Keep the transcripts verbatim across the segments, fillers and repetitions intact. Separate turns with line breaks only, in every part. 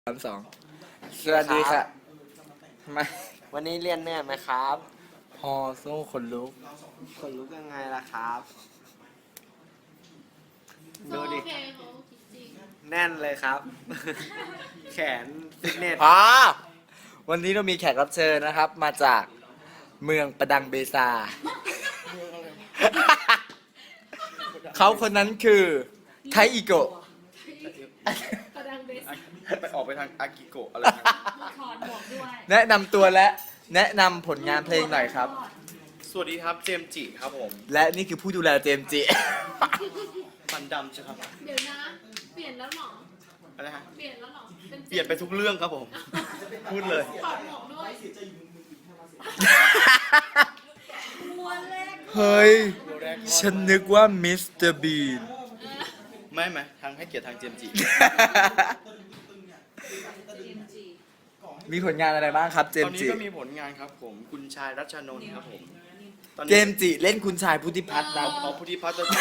สามสองสวัสดีค่ะมา
วันนี้เรียนเหนื่อยไหมครับ
พอสู้คนลุก
คนลุกยังไงล่ะครับ ดูดิ
โอเคเขาคิดจริง
แน่นเลยครับ แขนฟิตเนส
พอวันนี้เรามีแขกรับเชิญนะครับ มาจากเมืองประดังเบซา เขาคนนั้นคือไทอิโกะ
กระดังเบส
ไปออกไปทางอากิโกะอะไรนะ
ถอนหมวกด้วย
แนะนำตัวและแนะนำผลงานเพลงหน่อยครับ
สวัสดีครับเจมส์จิครับผม
และนี่คือผู้ดูแลเจมส์จิ
ฟันดำใช่ครับ
เดี๋ยวนะ เปลี่ยนแล้วเหรอ
อะไรฮะ
เปลี่ยนแล้วเหรอ
เปลี่ยนไปทุกเรื่องครับผม พูดเลย
ถอดหมวกด้วยม้วนแรก
เฮ้ย ฉันนึกว่ามิสเตอร์บีน
ไม่ไหมทางให้เกียรติทางเจมส์จิ
มีผลงานอะไรบ้างครับเจ
ต
ม
อน
ส์
นี้
จิ
ก็มีผลงานครับผมคุณชายรัชนนท์ครับผมตอน
เจ
นี้
มส์จิเล่นคุณชายพุทธิพัฒน์นะ
เอาพุทธิพัฒน์จะ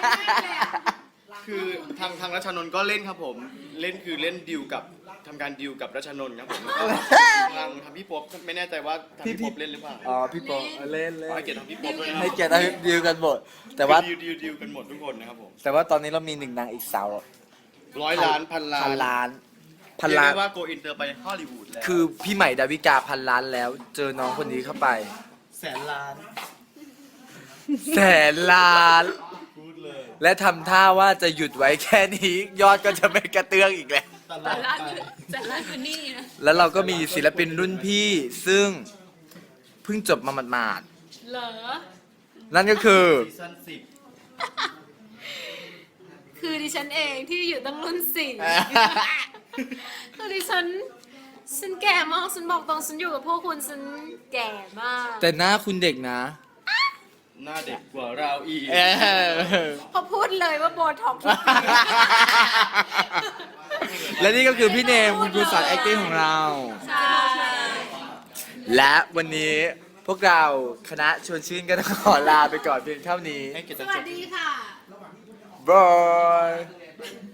คือทางทางรัชนนท์ก็เล่นครับผม เล่นคือเล่นดิวกับทำการดิวกับรัชนนท์ครับผมแล้วก็ทางทางพี่ป๊อบไม่แน่ใจว่าทางพี่ป๊อบเล่นหรือเปล่า
อ๋อพี่โปเล่นเล่
ขอให้
น
เกียรติทางพี่ป๊อบด้วยนะ
ให้เกียรติดิวกันหมดแต่ว่า
ดิวดิวดิวกันหมดทุกคนนะครับผม
แต่ว่าตอนนี้เรามีหนึ่งนางเอกสาว
ร้อยล้านพันล้าน
พันล้านพั
พั
น
น
ล้า
ล้าน นว่าโกอินเตอร์ไปฮอลลีวูดแล้ว
คือพี่ใหม่ดาวิกาพันล้านแล้ว เจอน้องคนนี้เข้าไป
แสนล้าน
แสนล้าน
พูดเลย
และทำท่าว่าจะหยุดไว้แค่นี้ ยอดก็จะไม่กระเตื้องอีกแล้ว
ตล
แต่
อด
ละ
ไป
คือแต่ละคือนี่นะ
แล้วเราก็มีศิลปินรุ่นพี่ซึ่งเพิ่งจบมาหมาด
เหรอ
ๆนั่นก็คือ
ซีซั่นสิบ
คือดิฉันเองที่อยู่ตั้งรุ่นสี่คือดิฉันฉันแก่มากฉันบอกตรงฉันอยู่กับพวกคุณฉันแก่มาก
แต่หน้าคุณเด็กนะ
หน้าเด็กกว่าเราอีก
เออ
พอพูดเลยว่าโบท็อกซ์ทุกปี
และนี่ก็คือพี่เนมคุณครูสอน acting ของเรา
ใช่
และวันนี้พวกเราคณะชวนชื่นก็ต้องขอลาไปก่อนเพียงเท่านี้
ให้เกียรติ
ส
ทาง
วัสดีค่ะ
บาย